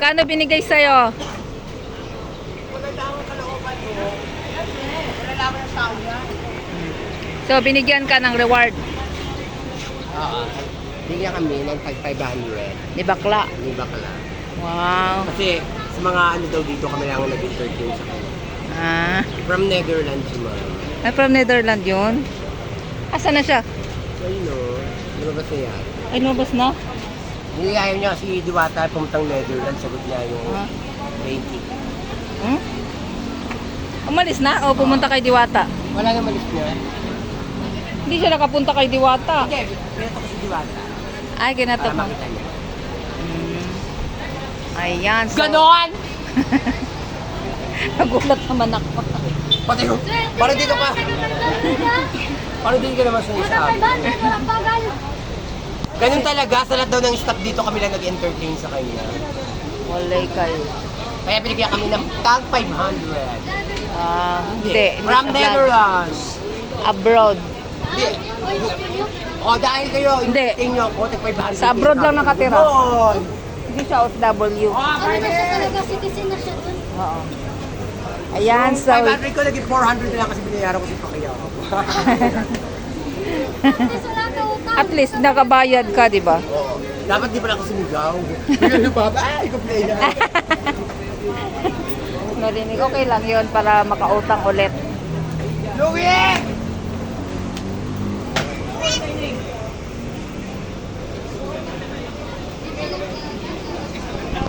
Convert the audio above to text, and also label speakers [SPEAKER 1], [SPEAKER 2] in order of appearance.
[SPEAKER 1] Magkano binigay sa'yo?
[SPEAKER 2] Maganda ang kalooban mo. Wala naman ang tao yan.
[SPEAKER 1] So, binigyan ka ng reward.
[SPEAKER 2] Oo. Bigyan kami ng 500.
[SPEAKER 1] Ni bakla.
[SPEAKER 2] Ni bakla.
[SPEAKER 1] Wow.
[SPEAKER 2] Kasi sa mga ano daw dito kami lang nag-entertain sa kanya.
[SPEAKER 1] Ah.
[SPEAKER 2] From Netherlands yung mga.
[SPEAKER 1] Ay, from Netherlands yun? Asa na siya?
[SPEAKER 2] So yun o. Lumabas na yan.
[SPEAKER 1] Ay, lumabas na?
[SPEAKER 2] Niliyayaw niya si Diwata pumuntang Netherlands. Sagot niya yung
[SPEAKER 1] Ah.
[SPEAKER 2] 20.
[SPEAKER 1] Hmm? Umalis na? O pumunta kay Diwata?
[SPEAKER 2] Wala na malis niya.
[SPEAKER 1] Hindi siya nakapunta kay Diwata.
[SPEAKER 2] Hindi, pinato ko si Diwata.
[SPEAKER 1] Ay,
[SPEAKER 2] Para
[SPEAKER 1] kinatok mo.
[SPEAKER 2] makita niya.
[SPEAKER 1] Ayan. So,
[SPEAKER 2] Ganon!
[SPEAKER 1] nagulat naman ako.
[SPEAKER 2] Pati ko. Parang dito ka. Parang dito ka naman sa isa. Ganun talaga, sa lahat daw ng staff dito kami lang nag-entertain sa kanya.
[SPEAKER 1] Walay kayo.
[SPEAKER 2] Kaya binigyan kami ng tag 500.
[SPEAKER 1] Hindi.
[SPEAKER 2] From
[SPEAKER 1] Hindi.
[SPEAKER 2] Netherlands.
[SPEAKER 1] Abroad.
[SPEAKER 2] Hindi. O dahil kayo,
[SPEAKER 1] Hindi.
[SPEAKER 2] entertain nyo ako, tag 500.
[SPEAKER 1] Sa abroad lang nakatira.
[SPEAKER 2] Yun.
[SPEAKER 1] Hindi siya OFW.
[SPEAKER 3] Ano na siya talaga, citizen na siya dun.
[SPEAKER 1] Oo. Ayan,
[SPEAKER 2] Yung
[SPEAKER 1] so...
[SPEAKER 2] 500 ko, naging 400 na lang kasi binayaran ko si Pacquiao.
[SPEAKER 3] Kasi wala ka utang.
[SPEAKER 1] At least nakabayad ka, di ba?
[SPEAKER 2] Oo. Dapat di pala ako sumigaw. Bigyan na ba? Ay, complain na.
[SPEAKER 1] Narinig, okay lang yun para makautang ulit.
[SPEAKER 2] Louie!